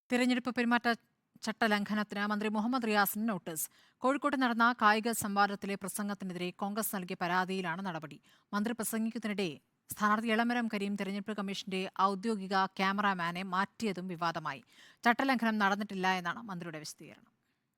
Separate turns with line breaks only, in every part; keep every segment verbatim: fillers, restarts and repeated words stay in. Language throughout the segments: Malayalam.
തിരഞ്ഞെടുപ്പ് പെരുമാറ്റ ചട്ടലംഘനത്തിന് മന്ത്രി മുഹമ്മദ് റിയാസിന് നോട്ടീസ്. കോഴിക്കോട്ട് നടന്ന കായിക സംവാദത്തിലെ പ്രസംഗത്തിനെതിരെ കോൺഗ്രസ് നൽകിയ പരാതിയിലാണ് നടപടി. മന്ത്രി പ്രസംഗിക്കുന്നതിനിടെ സ്ഥാനാർത്ഥി എളമരം കരീം തെരഞ്ഞെടുപ്പ് കമ്മീഷന്റെ ഔദ്യോഗിക ക്യാമറാമാനെ മാറ്റിയതും വിവാദമായി. ചട്ടലംഘനം നടന്നിട്ടില്ല എന്നാണ് മന്ത്രിയുടെ വിശദീകരണം.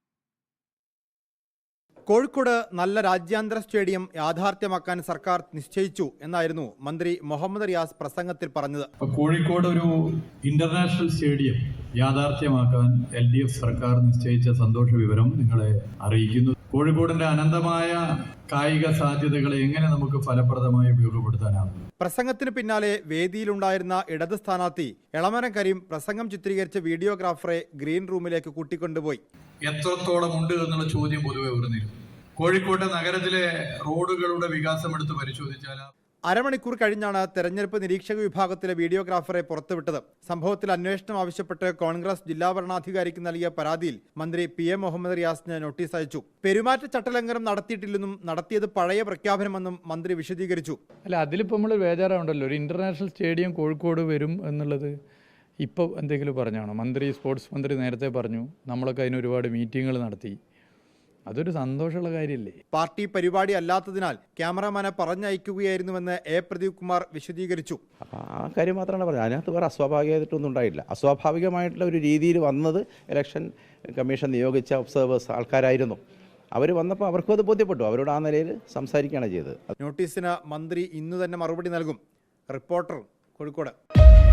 കോഴിക്കോട് നല്ല രാജ്യാന്തര സ്റ്റേഡിയം യാഥാർത്ഥ്യമാക്കാൻ സർക്കാർ നിശ്ചയിച്ചു എന്നായിരുന്നു മന്ത്രി മുഹമ്മദ് റിയാസ് പ്രസംഗത്തിൽ പറഞ്ഞത്.
കോഴിക്കോട് ഒരു ഇന്റർനാഷണൽ സ്റ്റേഡിയം യാഥാർത്ഥ്യമാക്കാൻ എൽ ഡി എഫ് സർക്കാർ നിശ്ചയിച്ച സന്തോഷ വിവരം നിങ്ങളെ അറിയിക്കുന്നു. കോഴിക്കോടിന്റെ അനന്തമായ കായിക സാധ്യതകളെ എങ്ങനെ നമുക്ക് ഫലപ്രദമായി ഉപയോഗപ്പെടുത്താനാകും?
പ്രസംഗത്തിന് പിന്നാലെ വേദിയിലുണ്ടായിരുന്ന ഇടത് സ്ഥാനാർത്ഥി എളമരം കരീം പ്രസംഗം ചിത്രീകരിച്ച വീഡിയോഗ്രാഫറെ ഗ്രീൻ റൂമിലേക്ക് കൂട്ടിക്കൊണ്ടുപോയി.
എത്രത്തോളം ഉണ്ട് എന്നുള്ള ചോദ്യം പൊതുവെ ഉയർന്നിരുന്നു. കോഴിക്കോട്ടെ നഗരത്തിലെ റോഡുകളുടെ വികാസം എടുത്ത് പരിശോധിച്ചാൽ
അരമണിക്കൂർ കഴിഞ്ഞാണ് തെരഞ്ഞെടുപ്പ് നിരീക്ഷക വിഭാഗത്തിലെ വീഡിയോഗ്രാഫറെ പുറത്തുവിട്ടത്. സംഭവത്തിൽ അന്വേഷണം ആവശ്യപ്പെട്ട് കോൺഗ്രസ് ജില്ലാ ഭരണാധികാരിക്ക് നൽകിയ പരാതിയിൽ മന്ത്രി പി എ മുഹമ്മദ് റിയാസിന് നോട്ടീസ് അയച്ചു. പെരുമാറ്റ ചട്ടലംഘനം നടത്തിയിട്ടില്ലെന്നും നടത്തിയത് പഴയ പ്രഖ്യാപനമെന്നും മന്ത്രി വിശദീകരിച്ചു.
അല്ല, അതിലിപ്പോൾ നമ്മൾ ബേജാറാവുണ്ടല്ലോ. ഒരു ഇന്റർനാഷണൽ സ്റ്റേഡിയം കോഴിക്കോട് വരും എന്നുള്ളത് ഇപ്പോൾ എന്തെങ്കിലും പറഞ്ഞാണോ? മന്ത്രി സ്പോർട്സ് മന്ത്രി നേരത്തെ പറഞ്ഞു, നമ്മളൊക്കെ അതിന് ഒരുപാട് മീറ്റിങ്ങുകൾ നടത്തി. അതൊരു സന്തോഷമുള്ള കാര്യമല്ലേ?
പാർട്ടി പരിപാടി അല്ലാത്തതിനാൽ ക്യാമറമാനെ പറഞ്ഞയക്കുകയായിരുന്നുവെന്ന് എ പ്രദീപ് കുമാർ വിശദീകരിച്ചു.
ആ കാര്യം മാത്രമാണ് പറഞ്ഞത്. അതിനകത്ത് വേറെ അസ്വാഭാവികമായിട്ടൊന്നും ഉണ്ടായില്ല. അസ്വാഭാവികമായിട്ടുള്ള ഒരു രീതിയിൽ വന്നത് ഇലക്ഷൻ കമ്മീഷൻ നിയോഗിച്ച ഒബ്സർവേഴ്സ് ആൾക്കാരായിരുന്നു. അവർ വന്നപ്പോൾ അവർക്കും അത് ബോധ്യപ്പെട്ടു. അവരോട് ആ നിലയിൽ സംസാരിക്കുകയാണ് ചെയ്തത്.
നോട്ടീസിന് മന്ത്രി ഇന്നു തന്നെ മറുപടി നൽകും. റിപ്പോർട്ടർ, കോഴിക്കോട്.